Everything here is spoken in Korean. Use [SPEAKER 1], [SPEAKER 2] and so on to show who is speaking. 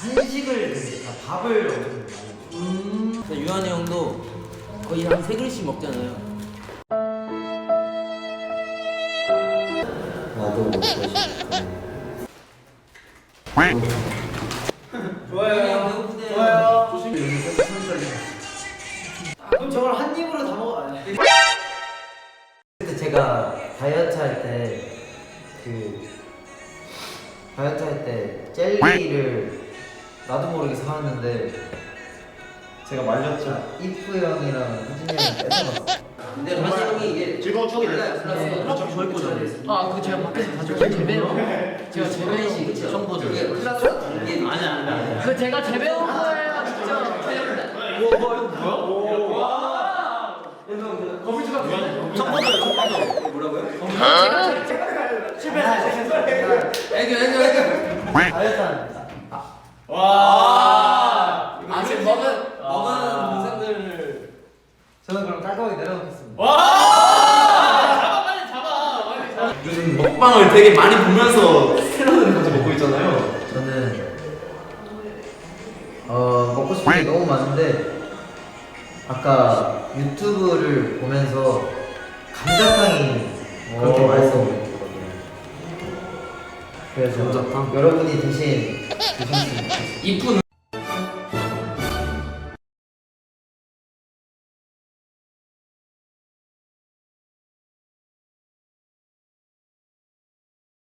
[SPEAKER 1] 한식을 드니까 밥을 엄청 많이 먹어요.
[SPEAKER 2] 유한이 형도 거의 한 3그릇씩 먹잖아요.
[SPEAKER 3] 나도 먹고 싶어.
[SPEAKER 1] 좋아요. 좋아요. 조심히 그럼 저걸 한 입으로 다 먹어.
[SPEAKER 3] 그때 제가 다이어트 할 때 젤리를 나도 모르게 사왔는데 제가 말렸죠. 이프 형이랑 후진이 형이 뺏어갔어.
[SPEAKER 2] 근데 한시 형이 이게
[SPEAKER 1] 즐거운 추억이
[SPEAKER 2] 달라요. 플러스
[SPEAKER 1] 저희 거잖아요.
[SPEAKER 2] 그 제가 밖에서 가져온 재배용. 제가 재배식 처음 보죠. 이게 플러스 이게 아니야.
[SPEAKER 4] 그 제가 재배운 거예요, 진짜.
[SPEAKER 1] 이거 뭐야?
[SPEAKER 3] 다이어트 합니다.
[SPEAKER 1] 와.
[SPEAKER 2] 지금 먹은 동생들.
[SPEAKER 3] 저는 그럼 깔끔하게 내려놓겠습니다.
[SPEAKER 5] 요즘 먹방을 되게 많이 보면서 새로운 것을 먹고 있잖아요.
[SPEAKER 3] 저는 먹고 싶은 게 너무 많은데 아까 유튜브를 보면서 감자탕이 그렇게 맛있어 보였거든요. 그래서
[SPEAKER 5] 감자탕?
[SPEAKER 3] 여러분이 대신 드셨으면 좋겠어요.
[SPEAKER 2] 이쁜